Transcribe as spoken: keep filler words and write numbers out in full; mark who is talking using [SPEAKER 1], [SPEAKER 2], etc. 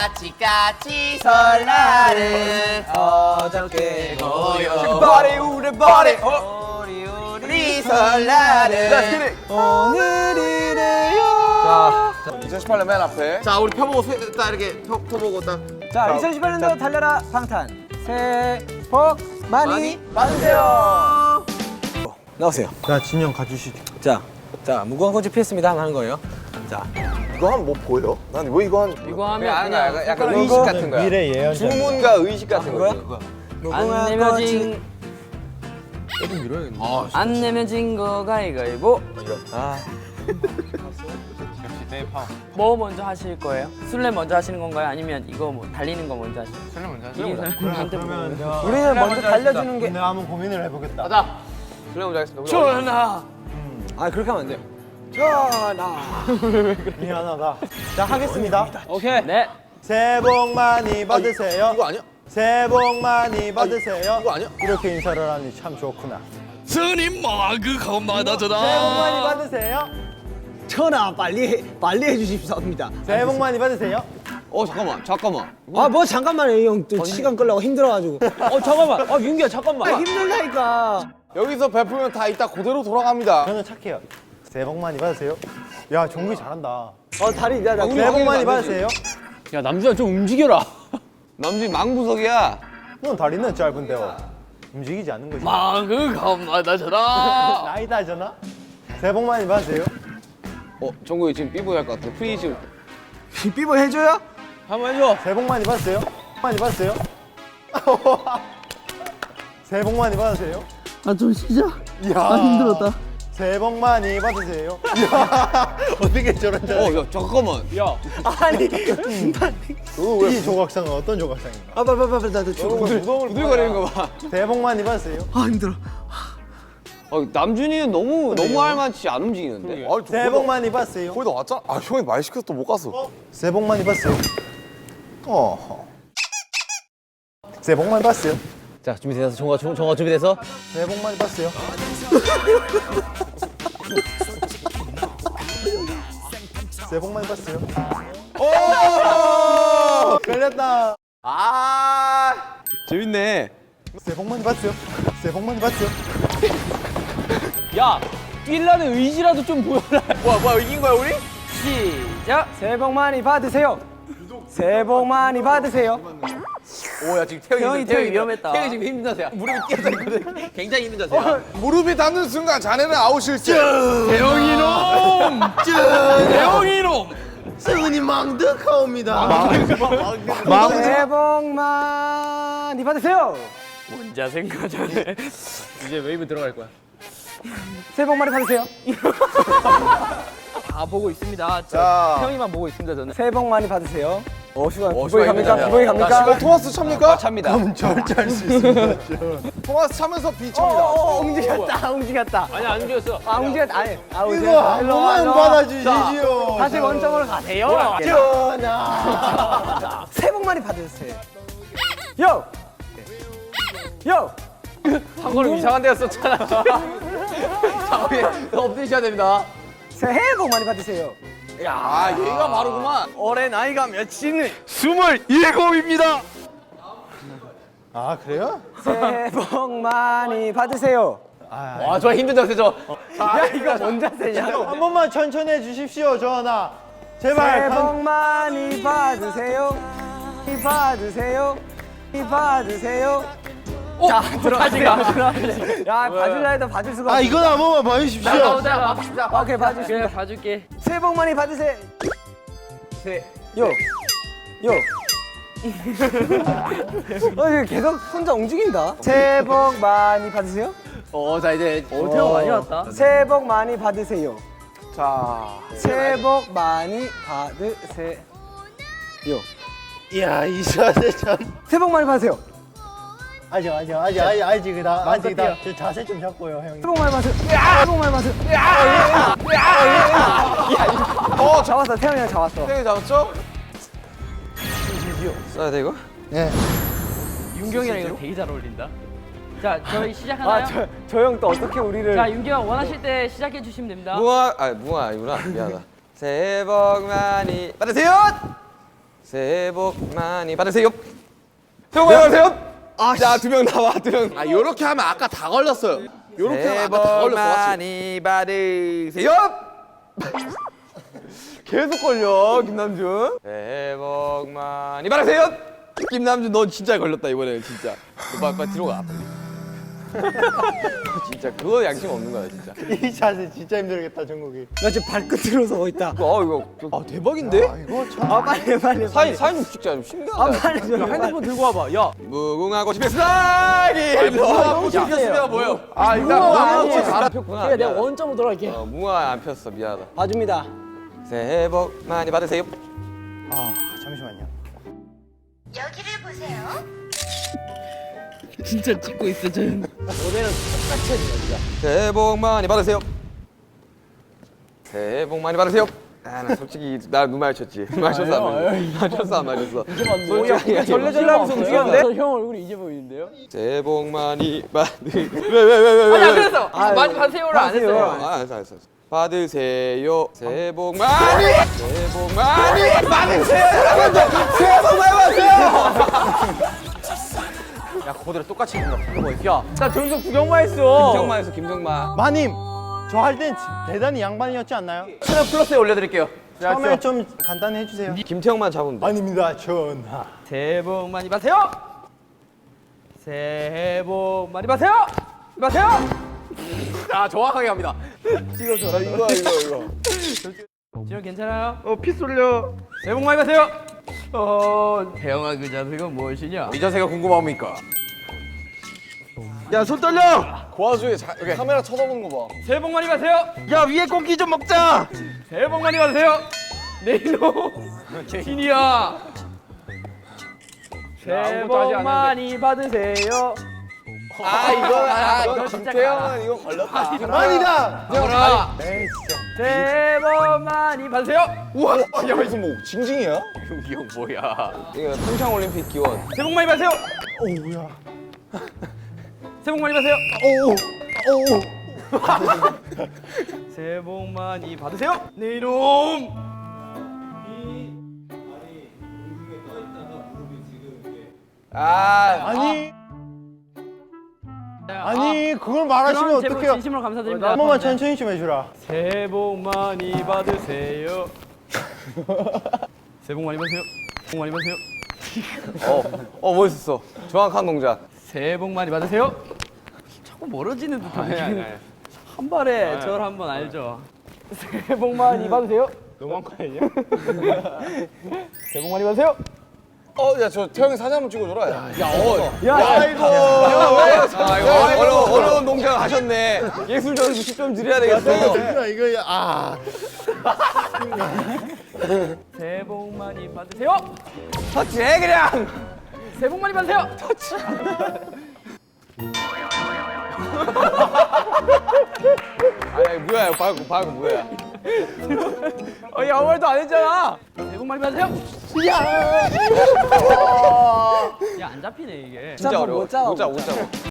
[SPEAKER 1] 까치까치 설날은 어저께고요.
[SPEAKER 2] 버리 우리 버리
[SPEAKER 1] 우리 우리 설날은
[SPEAKER 2] 오늘이래요.
[SPEAKER 3] 자, 이천십팔 년 맨 앞에.
[SPEAKER 1] 자 우리 펴보고 세- 딱 이렇게 펴, 펴보고 딱
[SPEAKER 2] 자, 이천십팔 년도 달려라 방탄. 새해 복 많이,
[SPEAKER 1] 많이
[SPEAKER 2] 받으세요. 나오세요.
[SPEAKER 4] 자, 진영 가주시죠.
[SPEAKER 2] 자, 자 무궁화 꽃이 피었습니다 하는 거예요. 자,
[SPEAKER 3] 이거 하면 뭐 보여? 난 왜 이거 한.
[SPEAKER 1] 이거 하면
[SPEAKER 3] 그냥
[SPEAKER 1] 그냥
[SPEAKER 3] 약간, 약간
[SPEAKER 1] 손가락
[SPEAKER 3] 의식 같은 거야.
[SPEAKER 4] 미래 예언자.
[SPEAKER 3] 주문과 의식 같은 거야.
[SPEAKER 2] 무궁화
[SPEAKER 1] 안 내면 진
[SPEAKER 3] 아,
[SPEAKER 1] 안 내면 진 거 가위가위보.
[SPEAKER 2] 아,
[SPEAKER 5] 뭐 먼저 하실 거예요? 술래 먼저 하시는 건가요? 아니면 이거 뭐 달리는 거 먼저 하시는 거예요?
[SPEAKER 1] 술래 먼저
[SPEAKER 5] 이긴 사람한테
[SPEAKER 4] 그러면
[SPEAKER 5] 물어보는
[SPEAKER 4] 저
[SPEAKER 2] 우리는 먼저 달려주는 게.
[SPEAKER 4] 내가 한번 고민을 해보겠다.
[SPEAKER 1] 가자. 술래 먼저 하겠습니다. 우리
[SPEAKER 5] 전하!
[SPEAKER 2] 아, 그렇게 하면 안 돼요. 전하.
[SPEAKER 4] 미안하다. 자, 하겠습니다.
[SPEAKER 5] 오케이. 네.
[SPEAKER 4] 새해 복 많이 받으세요.
[SPEAKER 3] 이거 아니야?
[SPEAKER 4] 새해 복 많이 받으세요.
[SPEAKER 3] 이거 아니야?
[SPEAKER 4] 이렇게 인사를 하니 참 좋구나.
[SPEAKER 5] 스님 마그 건마다저다.
[SPEAKER 4] 새해 복 많이 받으세요.
[SPEAKER 2] 전하, 빨리 빨리 해주십사옵니다.
[SPEAKER 4] 새해 복 많이 받으세요.
[SPEAKER 3] 어, 잠깐만, 잠깐만.
[SPEAKER 2] 아, 뭐 잠깐만요, 형. 또 시간 끌려고 힘들어가지고.
[SPEAKER 5] 어 잠깐만. 어 윤기야 잠깐만.
[SPEAKER 2] 아, 힘들다니까.
[SPEAKER 3] 여기서 베풀면 다 이따 그대로 돌아갑니다.
[SPEAKER 4] 저는 착해요. 새해 복 많이 받으세요. 야, 종기 잘한다.
[SPEAKER 2] 어, 다리, 야, 나.
[SPEAKER 4] 새해 복 많이 받으세요.
[SPEAKER 5] 야 남주야 좀 움직여라.
[SPEAKER 3] 남준이 망부석이야.
[SPEAKER 4] 넌 다리는 짧은데요. 움직이지 않는 거지.
[SPEAKER 5] 마그 건마다저다.
[SPEAKER 4] 나이다잖아. 새해 복 많이 받으세요.
[SPEAKER 3] 어, 정국이 지금 삐보이 할 것 같아. 프리즘.
[SPEAKER 2] 삐뽀 해줘요?
[SPEAKER 5] 한번 해줘.
[SPEAKER 4] 새해 복 많이 받으세요. 많이 받으세요. 새해 복 많이 받으세요.
[SPEAKER 5] 아 좀 쉬자.
[SPEAKER 4] 이야.
[SPEAKER 5] 아 힘들었다.
[SPEAKER 4] 새해 복 많이 받으세요. 이야. 어떻게 저런 저
[SPEAKER 3] 어, 야, 잠깐만.
[SPEAKER 5] 야.
[SPEAKER 2] 아니.
[SPEAKER 4] 이 조각상은 어떤 조각상인가?
[SPEAKER 2] 아, 빨리, 빨리, 빨리, 나도 좀.
[SPEAKER 3] 부들거리는 거 봐.
[SPEAKER 4] 새해 복 많이 받으세요.
[SPEAKER 2] 아, 힘들어.
[SPEAKER 3] 어, 남준이는 너무, 너무 할만치 안 움직이는데? 아,
[SPEAKER 4] 새해 복 많이 받으세요.
[SPEAKER 3] 거의 다 왔잖아. 아, 형이 말 시켜서 또 못 갔어.
[SPEAKER 4] 새해 복 많이 받으세요. 어. 새해 복 많이 받으세요.
[SPEAKER 2] 자, 준비돼서, 정화, 정화 준비돼서.
[SPEAKER 4] 새해 복 많이 받으세요. 새해 복 많이 받으세요. 오! 걸렸다.
[SPEAKER 3] 아, 재밌네.
[SPEAKER 4] 새해 복 많이 받으세요. 새해 복 많이 받으세요.
[SPEAKER 5] 야 뛰려는 의지라도 좀 보여라.
[SPEAKER 3] 뭐야, 뭐야, 이긴 거야, 우리?
[SPEAKER 5] 시작.
[SPEAKER 2] 새해 복 많이 받으세요. 새해 복 많이 받으세요.
[SPEAKER 3] 오, 야, 지금 태형이,
[SPEAKER 5] 태형이, 태형이 위험했다.
[SPEAKER 3] 태형이 지금 힘든 자세야. 무릎이 끼어져 있거든. 굉장히 힘든 자세야. 무릎이 닿는 순간 자네는 아웃일지.
[SPEAKER 5] 대형이 놈. 대형이 놈.
[SPEAKER 4] 승은이 망득하옵니다.
[SPEAKER 2] 새해 복 많이 받으세요.
[SPEAKER 5] 혼자 생각하네. 이제 웨이브 들어갈 거야.
[SPEAKER 2] 새해 복 많이 받으세요.
[SPEAKER 5] 다 보고 있습니다. 저
[SPEAKER 3] 자.
[SPEAKER 5] 태형이만 보고 있습니다 저는.
[SPEAKER 2] 새해 복 많이 받으세요. 어, 시간.
[SPEAKER 3] 어,
[SPEAKER 2] 기본이
[SPEAKER 3] 시간
[SPEAKER 2] 갑니까?
[SPEAKER 3] 있네.
[SPEAKER 2] 기본이
[SPEAKER 3] 어,
[SPEAKER 2] 갑니까?
[SPEAKER 3] 토마스 찹니까? 찹니다.
[SPEAKER 4] 그럼 절제할 수 있습니다.
[SPEAKER 3] 토마스 차면서
[SPEAKER 2] 어,
[SPEAKER 3] 비찹니다.
[SPEAKER 2] 어, 움직였다, 움직였다.
[SPEAKER 5] 아니 안 죽였어.
[SPEAKER 2] 아, 움직였다. 아니, 아,
[SPEAKER 4] 이거
[SPEAKER 2] 움직였다.
[SPEAKER 4] 한
[SPEAKER 2] 일로 와,
[SPEAKER 4] 번만
[SPEAKER 2] 일로 와.
[SPEAKER 4] 받아주시지요.
[SPEAKER 2] 다시 원점으로 가세요.
[SPEAKER 4] 전하.
[SPEAKER 2] 새해 복 많이 받으세요. 요! 요!
[SPEAKER 3] 한 걸음 이상한 데가 썼잖아. 자, 우리 업데이트해야 됩니다.
[SPEAKER 2] 새해 복 많이 받으세요.
[SPEAKER 3] 아, 얘가 바로구만.
[SPEAKER 2] 올해 나이가 몇이니?
[SPEAKER 5] 스물일곱입니다.
[SPEAKER 4] 아, 그래요?
[SPEAKER 2] 새해 복 많이 받으세요.
[SPEAKER 3] 와, 저 힘든 자세죠.
[SPEAKER 2] 야, 이거 뭔 자세냐?
[SPEAKER 4] 한 번만 천천히 해주십시오, 전하.
[SPEAKER 2] 새해
[SPEAKER 4] 제발.
[SPEAKER 2] 복 많이 받으세요. 많이 받으세요. 많이 받으세요. 자, 들어가세요. 야, 봐줄라 해도 봐줄 수가 없어.
[SPEAKER 4] 아, 이건 한 번만 봐주십시오.
[SPEAKER 5] 나오자. 봅시다.
[SPEAKER 2] 오케이, 봐주십니다.
[SPEAKER 5] 그래 봐줄게.
[SPEAKER 2] 새해 복 많이 받으세요. 새, 요, 요. 어, 이거 계속 혼자 움직인다. 새해 복 많이 받으세요.
[SPEAKER 3] 어, 자, 이제.
[SPEAKER 5] 어 태형 많이 왔다.
[SPEAKER 2] 새해 복 많이 받으세요.
[SPEAKER 3] 자.
[SPEAKER 2] 새해 복 많이 받으세요.
[SPEAKER 4] 이야, 이 자세 참.
[SPEAKER 2] 새해 복 많이 받으세요.
[SPEAKER 4] 아직, 아직, 아직, 아직, 아직이다. 아직이다. 저 자세 좀 잡고요, 형님.
[SPEAKER 2] 새해 복 많이 받으세요. 새해 복 많이 받으세요.
[SPEAKER 3] 어, 자,
[SPEAKER 2] 잡았어, 태영이 형 잡았어.
[SPEAKER 3] 태형이 잡았죠? 써야 돼, 이거?
[SPEAKER 4] 예.
[SPEAKER 5] 윤경이랑 이거 되게 잘 어울린다. 자 저희 시작하나요?
[SPEAKER 2] 아, 저, 저 형 또 어떻게 우리를.
[SPEAKER 5] 자 윤경 원하실 때 시작해 주시면 됩니다.
[SPEAKER 3] 무궁화, 아, 무궁화 아니구나. 미안하다. 새해 복 많이 받으세요!
[SPEAKER 1] 새해 복 많이 받으세요. 새해 복 많이 받으세요. 아, 자, 두 명 나와, 두 명.
[SPEAKER 3] 아 요렇게 하면 아까 다 걸렸어요. 요렇게
[SPEAKER 1] 새해
[SPEAKER 3] 하면 아까 다
[SPEAKER 1] 복
[SPEAKER 3] 걸렸어. 맞지?
[SPEAKER 1] 많이 받으세요. 계속 걸려, 김남준. 새해 복 많이 받으세요.
[SPEAKER 3] 김남준 넌 진짜 걸렸다 이번에 진짜. 너 빨리 빨리 들어가.
[SPEAKER 1] 진짜 그거 양심 없는 거야, 진짜.
[SPEAKER 4] 이 자세 진짜 힘들겠다 정국이.
[SPEAKER 2] 나 지금 발끝으로 서고 있다.
[SPEAKER 1] 어, 이거.
[SPEAKER 3] 아 대박인데?
[SPEAKER 4] 아 이거 참.
[SPEAKER 2] 아 빨리 빨리.
[SPEAKER 1] 사인, 사인 찍자, 좀 신기하다.
[SPEAKER 2] 아 빨리 좀.
[SPEAKER 3] 핸드폰 들고 와봐. 야.
[SPEAKER 1] 무궁화 꽃이 피었으니
[SPEAKER 3] 너무 웃겼습니다 뭐예요?
[SPEAKER 1] 아, 일단
[SPEAKER 2] 무궁화
[SPEAKER 1] 무궁화
[SPEAKER 2] 아니에요.
[SPEAKER 1] 꽃이 잘 폈구나.
[SPEAKER 2] 내가
[SPEAKER 1] 미안하다.
[SPEAKER 2] 원점으로 돌아갈게.
[SPEAKER 1] 어, 무궁화 안 폈어, 미안하다.
[SPEAKER 2] 봐줍니다.
[SPEAKER 1] 새해 복 많이 받으세요.
[SPEAKER 4] 아 잠시만요.
[SPEAKER 6] 여기를 보세요.
[SPEAKER 5] 진짜 찍고 있어 저는.
[SPEAKER 1] 새해 복 많이 받으세요. 새해 복 많이 받으세요. 아, 나 솔직히 나 눈 마주쳤지. 마주쳤어 안 마주쳤어? 마주쳤어 안 마주쳤어? 솔직히
[SPEAKER 2] 절레절레하면서 움직였는데?
[SPEAKER 5] 형 얼굴이 이제 보이는데요?
[SPEAKER 1] 새해 복 많이 받으. 왜왜왜왜 왜?
[SPEAKER 5] 안 그랬어. 많이 받으세요를 안 했어요.
[SPEAKER 1] 아, 알았어 알았어. 받으세요. 새해 복 많이. 새해 복 많이 받으세요. 여러분들 새해 복 많이 받으세요.
[SPEAKER 3] 야 그거대로 똑같이 해준다. 야.
[SPEAKER 2] 나 저기서 구경만 했어.
[SPEAKER 1] 김정만에서 김정만.
[SPEAKER 4] 마님 저 할 땐 대단히 양반이었지 않나요?
[SPEAKER 3] 채널 플러스에 올려드릴게요.
[SPEAKER 4] 처음에 좀 간단히 해주세요.
[SPEAKER 1] 김태형만 잡으면 돼.
[SPEAKER 4] 아닙니다 전하.
[SPEAKER 5] 새해 복 많이 받으세요. 새해 복 많이 받으세요. 받으세요.
[SPEAKER 3] 아 정확하게 합니다.
[SPEAKER 1] 이거 이거 이거.
[SPEAKER 5] 지금 괜찮아요?
[SPEAKER 1] 어, 피 쏠려.
[SPEAKER 5] 새해 복 많이 받으세요. 어, 태영아 그 자세가 무엇이냐?
[SPEAKER 3] 이 자세가 궁금합니까?
[SPEAKER 1] 야, 손 떨려.
[SPEAKER 3] 그 와중에 자, 카메라 쳐다보는 거 봐.
[SPEAKER 5] 새해 복 많이 받으세요.
[SPEAKER 1] 야, 위에 고기 좀 먹자.
[SPEAKER 5] 새해 복 많이 받으세요. 내 이놈 신이야. 새해
[SPEAKER 3] 아무것도 하지
[SPEAKER 5] 복
[SPEAKER 3] 않았는데.
[SPEAKER 5] 많이 받으세요.
[SPEAKER 3] 아 이거 아
[SPEAKER 5] 이거
[SPEAKER 3] 이거
[SPEAKER 5] 진짜
[SPEAKER 3] 김태형은 이거 걸렸다.
[SPEAKER 4] 아니다.
[SPEAKER 5] 뭐라?
[SPEAKER 4] 에이 진짜.
[SPEAKER 5] 새해 복 많이 받으세요.
[SPEAKER 3] 우와. 야 이거 뭐 징징이야?
[SPEAKER 5] 이 형 뭐야?
[SPEAKER 1] 이거 평창 올림픽 기원.
[SPEAKER 5] 새해 복 많이 받으세요.
[SPEAKER 4] 오우야.
[SPEAKER 5] 새해 복 많이 받으세요.
[SPEAKER 4] 오우. 오우.
[SPEAKER 5] 새해 복 많이 받으세요. 내 이놈.
[SPEAKER 1] 아,
[SPEAKER 4] 아니. 아니 그걸 말하시면
[SPEAKER 5] 그럼 제목
[SPEAKER 4] 어떡해요?
[SPEAKER 5] 진심으로 감사드립니다.
[SPEAKER 4] 한 번만 천천히 좀 해주라.
[SPEAKER 5] 새해 복 많이 받으세요. 새해 복 많이 받으세요. 복 많이 받으세요.
[SPEAKER 1] 어, 어 멋있어. 정확한 동작.
[SPEAKER 5] 새해 복 많이 받으세요. 자꾸 멀어지는 듯한 한 발에 절 한번 알죠. 새해 복 많이 받으세요.
[SPEAKER 3] 너무한 거 아니냐?
[SPEAKER 5] 새해 복 많이 받으세요.
[SPEAKER 3] 어, 야, 저 태형이 사진 한번 찍어줘라. 야, 야, 어,
[SPEAKER 1] 아이고. 아, 이거 어려운, 어려운 동작 하셨네. 예술 점수 십 점 드려야 되겠어.
[SPEAKER 4] 이거 이거 아.
[SPEAKER 5] 새해 복 많이 받으세요.
[SPEAKER 1] 터치해 그냥.
[SPEAKER 5] 새해 복 많이 받으세요. 터치.
[SPEAKER 1] 아니, 뭐야, 이거 방금, 방금 뭐야.
[SPEAKER 5] 어, 아무 말도 안 했잖아. 새해 복 많이 받으세요. 야, 안 잡히네 이게.
[SPEAKER 1] 진짜 어려워.
[SPEAKER 2] 못 잡아,
[SPEAKER 1] 못 잡아, 못 잡아.